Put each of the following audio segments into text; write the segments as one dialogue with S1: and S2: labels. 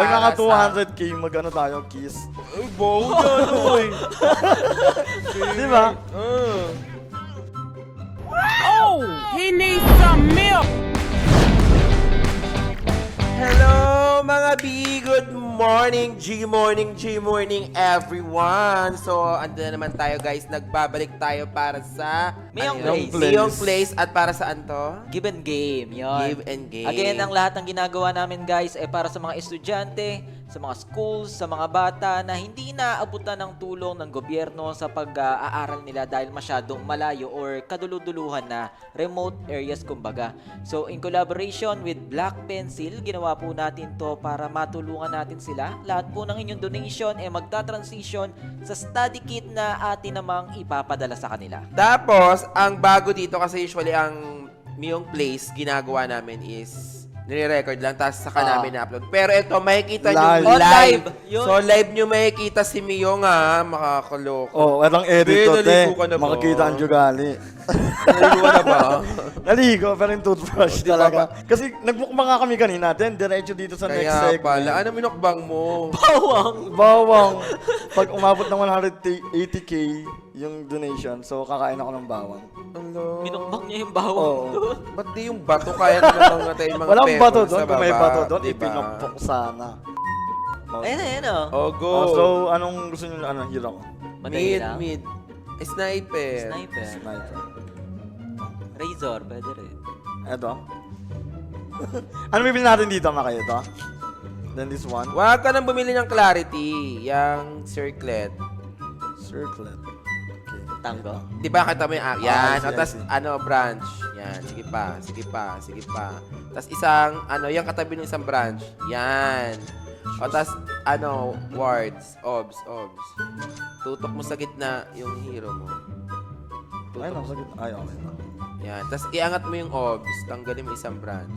S1: naka
S2: sa...
S1: 200k, mag-ano tayo, kiss.
S2: Ay, bow yan, oy.
S1: Di ba?
S3: Oh, he needs some milk.
S2: Hello, mga B! Good morning, G-morning everyone! So, ando na naman tayo guys. Nagbabalik tayo para sa...
S4: Mayong
S2: ano yun?
S1: Place.
S2: Mayong Place. At para saan to?
S4: Give and game, yun.
S2: Give and game.
S4: Again, ang lahat ng ginagawa namin guys ay para sa mga estudyante, sa mga schools, sa mga bata na hindi naaabutan ng tulong ng gobyerno sa pag-aaral nila dahil masyadong malayo or kaduluduluhan na remote areas kumbaga. So, in collaboration with Black Pencil, ginawa po natin to para matulungan natin sila. Lahat po ng inyong donation ay magta-transition sa study kit na atin namang ipapadala sa kanila.
S2: Tapos, ang bago dito kasi usually ang Mayong Place, ginagawa namin is nire-record lang, tapos saka namin na-upload. Pero ito, makikita nyo
S1: Live.
S2: live.
S4: Yun.
S2: So, live nyo makikita si Miyong ha, makakaloko.
S1: Oh, walang edit to, te.
S2: naligo ka na ba?
S1: Makikita ang jugali.
S2: Naligo ka na ba?
S1: Naligo, pero yung toothbrush
S2: Di ba
S1: talaga.
S2: ba?
S1: Kasi nagmukbang nga kami kanina, then diretso dito sa next
S2: Kaya
S1: segment.
S2: pala, ano minukbang mo?
S4: Bawang!
S1: Bawang. Pag umabot ng 180k yung donation, so kakain ako ng bawang.
S2: Ano?
S4: Minukbang niya yung bawang
S1: Oo.
S4: doon.
S2: Ba't di yung bato kaya namang natin yung mga
S1: Walang
S2: pepper
S1: bato
S2: sa
S1: doon. Kung may
S2: baba,
S1: bato doon,
S2: diba?
S1: ipinukpok sana. Oh.
S4: Ayan, ayan o.
S2: Oh, go.
S1: Oh, so, anong gusto nyo, hero ko?
S4: Madali
S2: mid,
S4: lang.
S2: mid. Sniper.
S4: Sniper.
S1: Sniper.
S4: Razor, pwede rin.
S1: Eto. Ano bibili natin dito, Maka? Ito? Then this one.
S2: Huwag ka nang bumili ng Clarity. Yang circlet.
S1: Circlet. Okay.
S4: Tango.
S2: Di ba kita mo yung yan.
S1: I see,
S2: O, tas,
S1: I see.
S2: ano, branch. Yan. Sige pa. Sige pa. Sige pa. Tas isang, ano, yung katabi ng isang branch. Yan. O, tas, ano, wards. Obs. Obs. Tutok mo sa gitna yung hero mo.
S1: Ay,
S2: Tutok.
S1: nasa gitna. Ay, okay na.
S2: Yan. Tas, iangat mo yung obs. Tanggalin mo isang branch.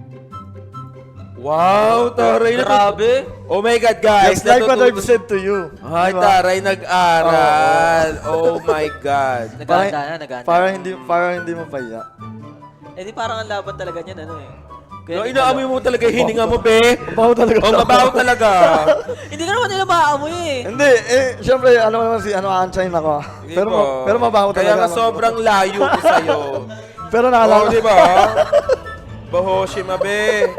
S2: Wow, taray na.
S4: Grabe!
S2: Oh my God, guys.
S1: Just like what I've
S2: natututo-
S1: said to you.
S2: Ay,
S1: Diba?
S2: taray, nag-aral. Oh my God.
S4: Naganda na, naganda.
S1: Para hindi mo paya.
S4: Eh di parang ang laban talaga niyan, ano eh.
S2: No, inaamoy mo talaga yung hininga mo, be.
S1: Mabaho talaga.
S2: Oh, mabaho talaga.
S4: Hindi ka naman nila maaamoy eh.
S1: Hindi, syempre, ano naman si, Unchained ako.
S2: Di
S1: Pero,
S2: ba?
S1: pero mabaho
S2: Kaya
S1: talaga.
S2: nga sobrang layo ko sa'yo.
S1: Pero
S2: Oh,
S1: naalala
S2: di ba? Bahoshima, be.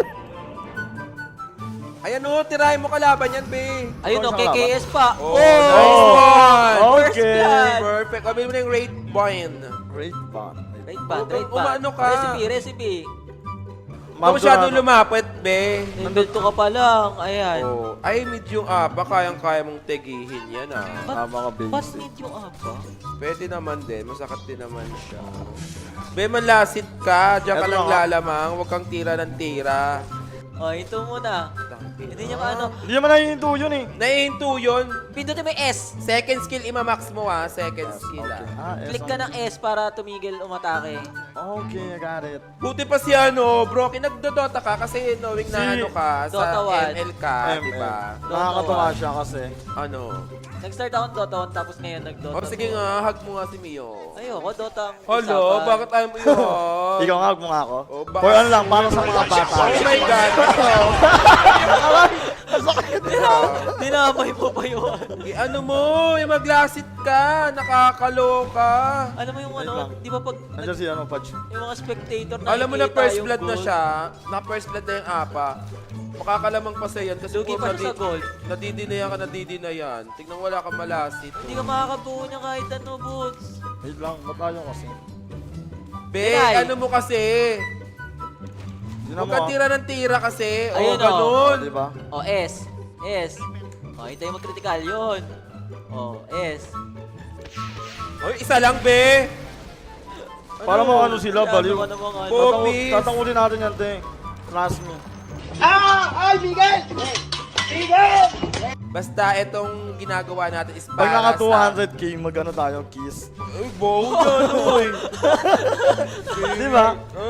S2: Ayan o, tirahin mo kalaban yan, be.
S4: Ayun o,
S1: Isang laban.
S4: KKS pa.
S2: Oh, nice one.
S4: First
S1: Okay.
S4: blood.
S2: Perfect. Sabi mo na yung raid point.
S1: Great bond.
S4: Right band, right band.
S2: Umano ka.
S4: Recipe.
S2: Huwag masyadong lumapit, be.
S4: Level 2 ka pa lang. Ayan.
S2: Oh, ay, mid yung apa, kayang-kaya mong tegihin yan, ah.
S1: Mga
S4: Ba't
S1: basic.
S4: mid yung aba?
S2: Pwede naman din, masakit din naman siya. Be, manlasit ka, diyan ka
S1: Eto
S2: lang
S1: nga.
S2: lalamang, huwag kang tira ng tira.
S4: O, ito muna. Hindi niya ano.
S1: Hindi naman naiinto yun eh.
S2: Naihinto yun.
S4: Pindutin mo yung S.
S2: Second skill, imamax mo ha. Second skill
S1: Okay.
S2: ah.
S4: Click ka ng S para tumigil umatake.
S1: Okay, I got it.
S2: Buti pa si ano, bro, nagdodota ka kasi knowing na
S1: Si
S2: ano ka, sa
S4: Dota 1.
S2: ML ka, di ba?
S1: Nakakatawa siya kasi.
S2: Ano?
S4: Nag-start ako ng Dota 1 tapos ngayon nag-Dota
S2: O sige
S4: 2.
S2: nga, hug mo nga si Mio.
S4: Ayoko, Dota ang
S2: Hello,
S4: usapan.
S2: bakit ayaw mo yun?
S1: Ikaw nga, huwag mo nga ako.
S2: Oh, ba-
S1: For ano lang, para sa mga bata.
S2: Oh my God.
S4: Dinamay mo pa yun.
S2: Ano mo, maglasit ka, nakakaloka.
S4: Alam mo yung
S1: Wait
S4: ano,
S1: lang.
S4: di ba pag
S1: Nandiyan si Pudge.
S4: yung mga spectator na
S2: Alam mo na
S4: nakikita
S2: first
S4: yung
S2: blood na
S4: goal,
S2: siya, na first blood na yung apa. Makakalamang pa sa yan kasi
S4: Lugi
S2: kung
S4: pa siya sa gold.
S2: nadidinayan ka, nadidinayan. Tignan wala kang malasit.
S4: Hindi ka makakabuo niya kahit ano, Boots.
S1: Wait lang, matayo kasi.
S2: Be,
S4: Tinay.
S2: ano mo kasi?
S1: Hindi
S2: Huwag
S1: mo.
S2: ka tira ng tira kasi. O,
S4: Ayun,
S2: ganun.
S1: Di ba?
S4: O, S. S. O, hintayin mo critical yun. O, S.
S2: Oy, isa lang, be.
S1: Para mo ano sila,
S4: Ano
S1: baliw.
S4: ka namang ano?
S2: Bobby.
S1: Tatangulin natin yan, te. Trust me.
S2: Basta itong ginagawa natin is
S1: Pag
S2: para
S1: naka
S2: sa...
S1: 200k, mag-ano tayo, kiss.
S2: Ay, bow yan, oy.
S1: Di ba?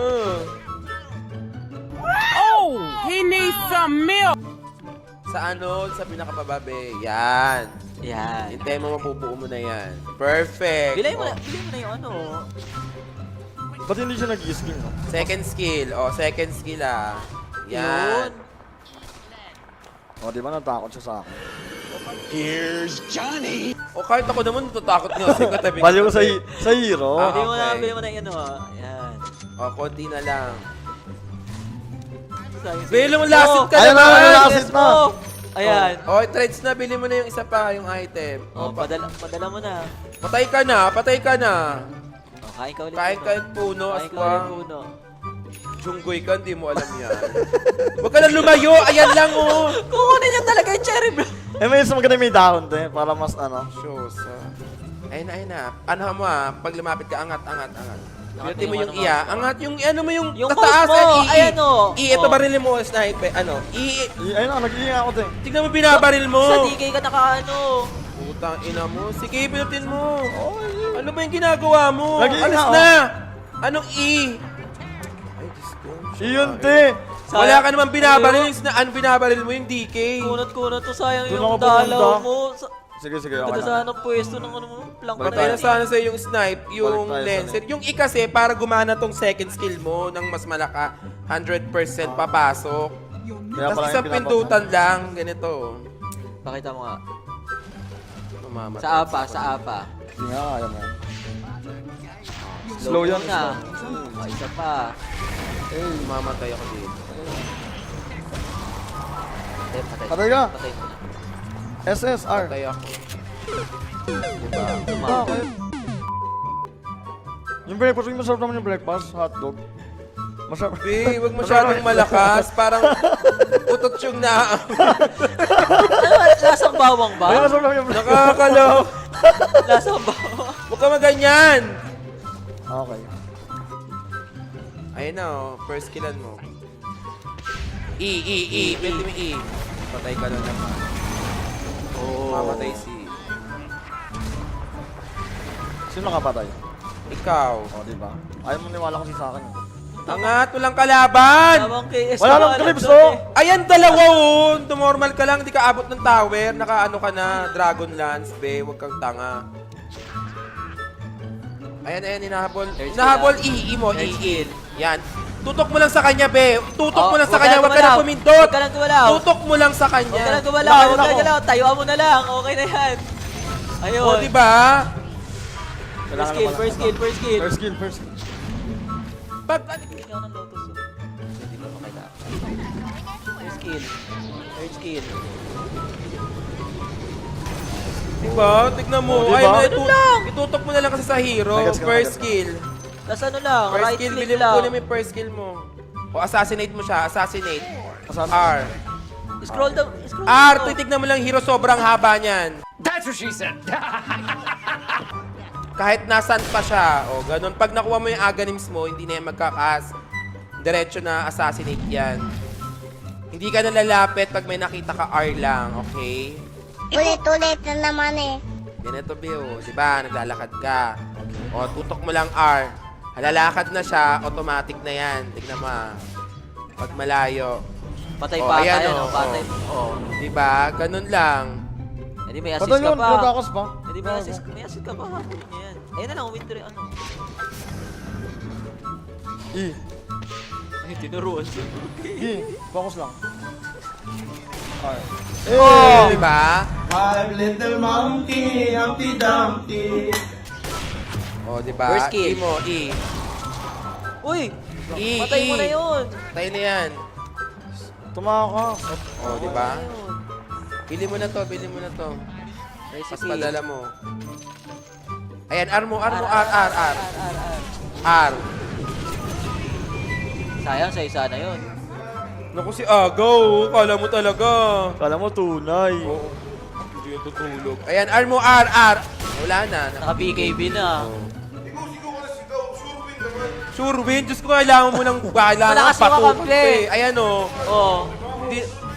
S3: Oh, he needs some milk.
S2: Sa ano, sa pinakapababe. Yan.
S4: Yan.
S2: Hintay mo, mapubuo mo na yan. Perfect.
S4: Bilay mo na yung ano.
S1: Ba't hindi siya nag-skill, no?
S2: Second skill. O, second skill ah.
S4: Yun.
S2: Yan.
S1: O, di ba natakot siya sa akin?
S2: O kahit ako naman natatakot nga kasi katabi.
S1: Baliw ko sa hero.
S2: Ah.
S4: Bili mo na,
S2: okay.
S4: bili mo na yan, Yan.
S2: O, konti na lang.
S4: Sayang-
S2: Bili mo lasit ka
S1: Ayun na,
S2: naman!
S1: ayun na, lasit na.
S4: Ayan.
S2: O, trades na, bili mo na yung isa pa, yung item.
S4: Oh, padala mo na.
S2: Patay ka na, patay ka na.
S4: Oh, kain ka ulit.
S2: Kain ka yung puno,
S4: Kain ka ulit,
S2: aswang.
S4: puno.
S2: Junggoy ka, hindi mo alam yan. Huwag ka na lumayo, ayan lang oh.
S4: Kukunin niya talaga yung cherry bro.
S1: Eh, may isa maganda may dahon, te. Para mas ano.
S2: Shows, Ayun na, ayun na. Ano mo pag lumapit ka, angat. Pinutin mo
S4: yung
S2: yung
S4: ano
S2: iya.
S4: mo.
S2: Angat yung ano mo yung
S4: Yung
S2: tataas.
S4: mouse mo, ayan, oh.
S2: Ito
S4: Oh.
S2: barilin mo, sniper. Ano?
S1: Ayun na, nag-iinga ako, te.
S2: Tignan mo binabaril mo.
S4: Sa DK ka nakaano.
S2: Putang ina mo. Sige, pinutin mo. Ano ba yung ginagawa mo?
S1: Lagi
S2: Alis
S1: nga,
S2: na. Anong E? Ay, Diyos ko.
S1: Iyon, te.
S2: Wala ka naman binabaril. Ano binabaril mo yung DK?
S4: Kunat to sayang
S1: Doon
S4: yung
S1: ako
S4: dalaw
S1: pumunta.
S4: mo.
S1: Sige,
S4: Ganda
S1: okay
S4: sana
S1: na.
S4: ng pwesto ng ano mo. Plank
S1: Balik
S2: Patay
S1: tayo.
S2: na sana sa'yo yung snipe, yung
S1: Balik tayo sa
S2: lancer. Yung E kasi, para gumana tong second skill mo ng mas malaka, 100% papasok.
S1: Kaya
S2: Tapos
S1: pala
S2: isang
S1: yung
S2: pindutan lang, ganito.
S4: Pakita mo nga.
S2: Mamamatay.
S4: Sa apa.
S1: Hindi nga, kaya mo yan. Slow yan,
S4: na.
S1: slow.
S4: Oh, isa pa.
S2: Mamamatay ako dito.
S4: Patay.
S1: Patay ka.
S4: Patay mo na.
S1: SSR.
S2: Patay ako.
S1: Ah, okay. Yung breakfast, yung masarap naman yung breakfast, hotdog. Masarap.
S2: Be, huwag masyadong malakas. Parang utot yung na.
S4: Lasang bawang
S1: Ay,
S4: ba?
S1: masarap naman yung breakfast.
S2: Nakakalaw.
S4: Lasang bawang.
S2: Huwag ka maganyan.
S1: Okay.
S2: Ayun na oh, first killan mo. E. Pwede mo E. Patay ka na naman.
S4: Oh.
S2: Mamatay si...
S1: Sino nakapatay?
S2: Ikaw.
S1: O, di ba? Ayaw mo niwala kasi sa akin.
S2: Angat, walang kalaban!
S4: Tawang KS.
S1: Wala nang clips, oh!
S2: Ayan, dalawa oh! Normal ka lang, di ka abot ng tower. Nakaano ka na, Dragon Lance, be. Huwag kang tanga. Ayan, hinahabol.
S4: Third
S2: Hinahabol,
S4: skill,
S2: E mo,
S4: Third
S2: E.
S4: skill.
S2: Yan. Tutok mo lang sa kanya, be. Tutok mo lang sa
S4: Huwag
S2: kanya,
S4: ka
S2: huwag ka na
S4: gumalaw.
S2: pumindot.
S4: Huwag ka nang gumalaw.
S2: Tutok mo lang sa
S4: Huwag ka
S2: kanya.
S4: nang gumalaw.
S1: Wala
S4: Huwag ka
S1: ako.
S4: nang gumalaw. Tayuan mo na lang. Okay na yan. Ayun.
S2: O, diba?
S1: Kailangan
S4: First
S1: naman-
S4: skill.
S1: First skill.
S2: Pag,
S4: Ikaw ng lotus. Hindi ba makita? First skill. Third skill.
S2: diba? Tignan mo.
S1: O, diba?
S2: Ayun,
S4: Ganun lang.
S2: itutok mo na lang kasi sa hero.
S1: Nagets ka na,
S2: First
S1: nagets ka.
S2: skill.
S4: Tapos ano lang,
S2: First
S4: right
S2: skill,
S4: click
S2: bilhin mo
S4: lang.
S2: kunin mo yung first skill mo. O, assassinate mo siya. Assassinate.
S1: Asan?
S2: R.
S4: Scroll down. Scroll
S2: R,
S4: down.
S2: titignan mo lang hero, sobrang haba niyan.
S3: That's what she said.
S2: Kahit nasan pa siya. O, ganun. Pag nakuha mo yung Aghanims mo, hindi na yan magkakas. Diretso na assassinate yan. Hindi ka na lalapit pag may nakita ka R lang, okay?
S5: Ulit-ulit na naman eh.
S2: Ganito, Bio. Diba? Naglalakad ka. O, tutok mo lang R. Halalakad na siya, automatic na yan. Tignan mo ah. Pag malayo.
S4: Patay
S2: O,
S4: pa.
S2: ayan,
S4: Ayan,
S2: o,
S4: patay.
S2: o. Diba? Ganun lang.
S4: Hindi may assist
S1: Patay
S4: ka
S1: yun,
S4: pa.
S1: pinatakas pa.
S4: Hindi may assist. May assist ka pa. Habulin niya yan. Ayun na lang, winter ano.
S1: E.
S4: Ay, tinuruan siya.
S1: E. Focus lang. Okay.
S2: Oh! Diba?
S6: Five little monkey, Humpty Dumpty.
S2: O, diba?
S4: First kill.
S2: E mo, E.
S4: Uy!
S2: E,
S4: Patay mo
S2: E.
S4: na yun.
S2: Tayo na yan.
S1: Tumaka.
S2: O, diba?
S4: Ayun.
S2: Bili mo na to, bili mo na to. Mas
S4: Recipe.
S2: padala mo. Ayan, R mo, R mo,
S4: R.
S2: R. R.
S4: Sayang, sa isa na yun.
S2: Naku si Agaw, kala mo talaga.
S1: Kala mo tunay.
S2: Oo. Hindi yung tutulog. Ayan, R mo, R. Wala na.
S4: Naka-BKB na.
S2: Sure win, Diyos ko, kailangan mo lang
S4: Malakas yung kakampi.
S2: Ayan o.
S4: Oo.
S2: Hindi.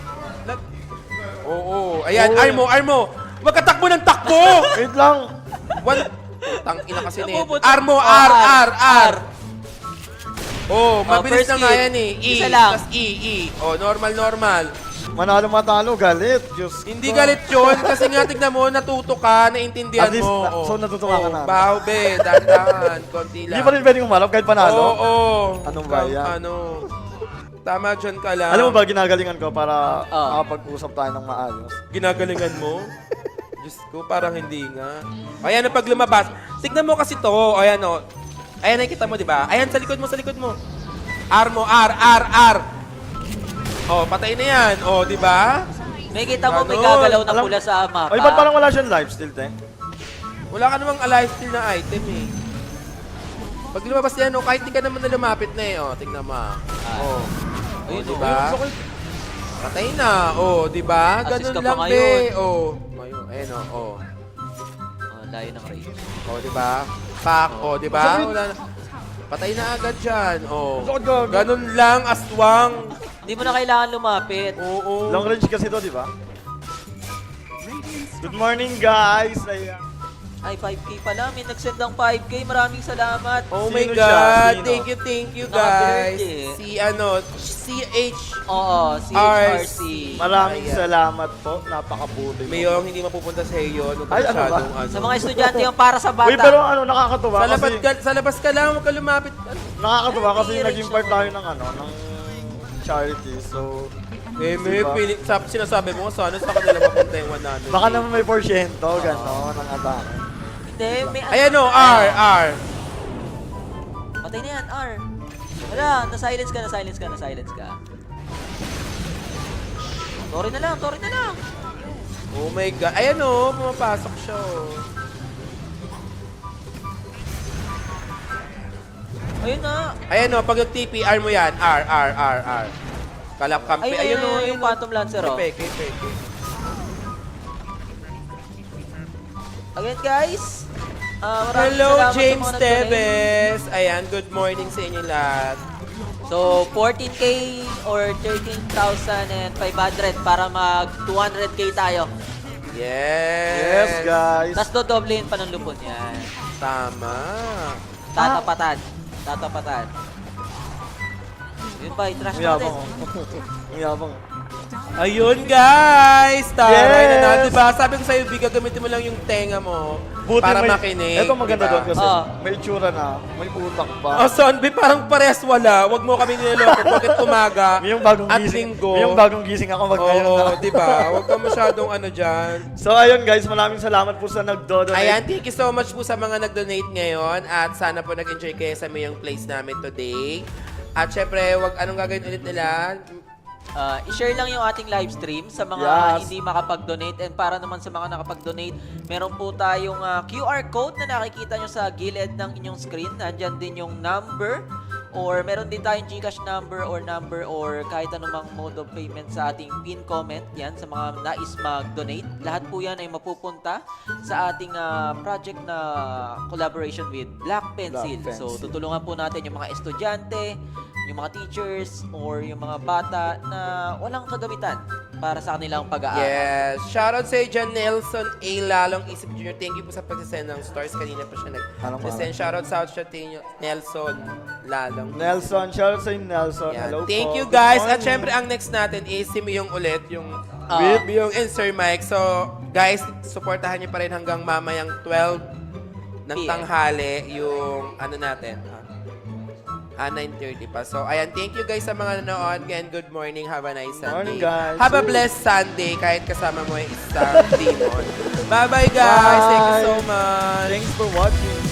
S2: Oo. Ayan, R mo. Magkatakbo ng takbo!
S1: Wait lang.
S2: One. Tang ina kasi nito.
S4: Napupunta-
S2: R mo,
S4: Oh,
S2: R. Oh, mabilis
S4: first
S2: na nga
S4: skill.
S2: yan eh. E,
S4: Isa lang.
S2: tas E. Oh, normal.
S1: Manalo matalo, galit. Diyos
S2: Hindi
S1: ko.
S2: galit yun kasi nga tignan mo, natuto ka, naintindihan
S1: At least,
S2: mo.
S1: so natutuwa ka na.
S2: Baho be, dahan-dahan, konti lang.
S1: Hindi pa rin pwedeng umalap kahit panalo.
S2: Oo.
S1: Anong ba yan?
S2: Ano? Tama dyan ka lang.
S1: Alam mo ba, ginagalingan ko para
S4: Ah.
S1: makapag-usap tayo ng maayos.
S2: Ginagalingan mo? Diyos ko, parang hindi nga. Ayan, pag lumabas. Tignan mo kasi to. Ayan, o. Ayan, nakikita mo, di ba? Ayan, sa likod mo, sa likod mo. R mo, R. Oh, patay na yan. Oh, di ba?
S4: May kita mo, may
S2: Ganun.
S4: gagalaw na
S1: Alam-
S4: pula sa mapa.
S1: Ay, ba't parang wala siyang live still, te?
S2: Wala ka namang alive still na item eh. Pag lumabas yan, oh, kahit di ka naman na lumapit na eh. Oh, tignan mo. Oh.
S4: Ayun,
S2: di
S4: oh.
S2: ba? Patay na. Oh, di ba?
S4: Assist
S2: Ganun
S4: ka pa
S2: lang,
S4: ngayon.
S2: be. Oh. Ngayon, ayun, oh.
S4: Layo ng rage.
S2: Oh, di ba? Pak, oh, di ba? Wala na. Patay na agad dyan. Oh. Ganun lang, aswang.
S4: Hindi mo na kailangan lumapit.
S2: Oo.
S1: Long range kasi to, di ba? Good morning, guys! Ayan.
S4: Ay, 5K pala. May nagsend ng 5K. Maraming salamat.
S2: Oh
S1: Sino
S2: my
S1: siya?
S2: God.
S1: Sino?
S2: Thank you,
S4: Naka-birthday
S2: guys.
S4: eh.
S2: Si, ano, CH.
S4: Oo, CHRC.
S1: Maraming
S2: Ayan.
S1: salamat po. Napakabuti mo.
S2: Mayong hindi mapupunta sa iyo. Ano
S1: Ay, ano ba?
S2: masyadong, ano.
S4: Sa mga estudyante yung para sa bata.
S1: Uy, pero ano, nakakatuwa
S2: Sa labas,
S1: kasi...
S2: sa labas ka lang, huwag ka lumapit.
S1: Nakakatuwa kasi
S4: Ay,
S1: naging part tayo ng ano, ng charity. So,
S2: Eh, may
S1: Diba?
S2: sinasabi mo, sana sa kanila mapunta yung 100.
S1: baka naman may porsyento, gano'n, ang atake.
S4: Hindi, may...
S2: Ayan o, R.
S4: Patay na yan, R. Wala, na-silence ka. Sorry na lang.
S2: Oh my God. Ayan o, pumapasok siya o.
S4: Ayun na.
S2: Ayan o, pag nag-TPR mo yan, R. Kalap kampi.
S4: Ayun,
S2: Ayun o,
S4: yung Phantom Lancer, oh.
S2: Peke.
S4: Again, guys. Maraming
S2: Hello,
S4: salamat sa
S2: James
S4: mga nag-donate.
S2: Tevez. Ayan, good morning sa inyo lahat.
S4: So, 14K or 13,500 para mag 200K tayo.
S1: Yes,
S2: Yes.
S1: guys.
S4: Tapos dodoblein pa ng lupon yan.
S2: Tama.
S4: Tatapatan. Yun ba, i-trash
S1: Ang
S4: natin.
S1: yabang. Ang yabang.
S2: Ayun, guys. Taray na
S1: Yes.
S2: na. Diba? Sabi ko sa'yo, Biga, gamitin mo lang yung tenga mo para makinig.
S1: Ito maganda
S2: diba?
S1: doon kasi
S4: Ah.
S1: may itsura na, may utak pa.
S2: Oh, Sonby, parang pares wala. Huwag mo kami niloloko. Bakit umaga
S1: May yung bagong
S2: at
S1: gising.
S2: linggo?
S1: May yung bagong gising ako mag ngayon
S2: Oo,
S1: na.
S2: diba? Huwag ka masyadong ano dyan.
S1: So ayun guys, maraming salamat po sa nagdodonate.
S2: Ayan, thank you so much po sa mga nag-donate ngayon at sana po nag-enjoy kayo sa mayong place namin today. At syempre, anong gagawin ulit nila?
S4: I-share lang yung ating live stream sa mga
S1: Yes.
S4: hindi makapag-donate. And para naman sa mga nakapag-donate, meron po tayong QR code na nakikita nyo sa gilid ng inyong screen. Nandyan din yung number or meron din tayong GCash number or kahit anumang mode of payment sa ating pin comment. Yan, sa mga nais mag-donate. Lahat po yan ay mapupunta sa ating project na collaboration with Black Pencil.
S1: Black
S4: So,
S1: Pencil.
S4: tutulungan po natin yung mga estudyante, yung mga teachers, or yung mga bata na walang kagamitan para sa kanilang pag-aaral.
S2: Yes. Shoutout sa dyan, Nelson A. Lalong Isip Jr. Thank you po sa pag-send ng stars. Kanina pa siya nag-send. Shoutout sa Nelson Lalong.
S1: Nelson, shout out sa inyo, Nelson.
S2: Yan.
S1: Hello
S2: Thank
S1: po.
S2: you
S1: Good
S2: guys. At
S1: morning.
S2: syempre ang next natin is si Miyong ulit, yung
S1: With?
S2: Miyong and Sir Mike. So guys, supportahan niyo pa rin hanggang mamayang 12 ng
S4: PM.
S2: tanghali yung ano natin. 9:30 pa. So ayan, thank you guys sa mga nanood. Again, good morning. Have a nice Sunday.
S1: Morning, guys.
S2: Have a blessed Sunday kahit kasama mo yung isang demon. Bye-bye guys. Thank you so
S1: Bye.
S2: much.
S1: Thanks for watching.